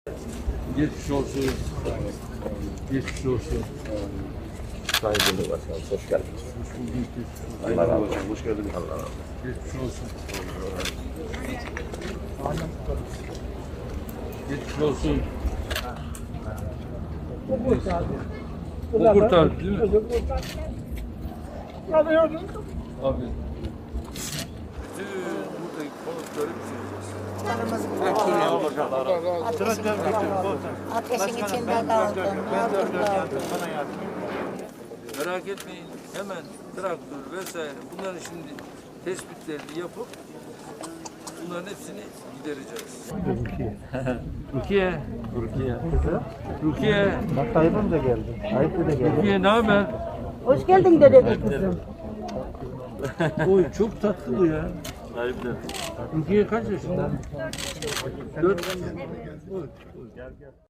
Geçmiş olsun. Geçmiş olsun. Sayın Cumhurbaşkanım, hoş geldiniz. Hoş bulduk. Allah razı olsun. Hoş geldiniz. Allah razı olsun. Geçmiş olsun. Geçmiş olsun. O kurtardı değil mi? Abi. Buradaki konukları Ateşin içinde kaldım. merak etmeyin. Hemen traktör vesaire bunların şimdi tespitlerini yapıp bunların hepsini gidereceğiz. Rukiye. Rukiye. Bak Tayyip'im de geldi. Tayyip de geldi. Rukiye ne haber? Hoş geldin dede kızım. Oy çok tatlı bu ya. Rukiye kaç yaşında? 4.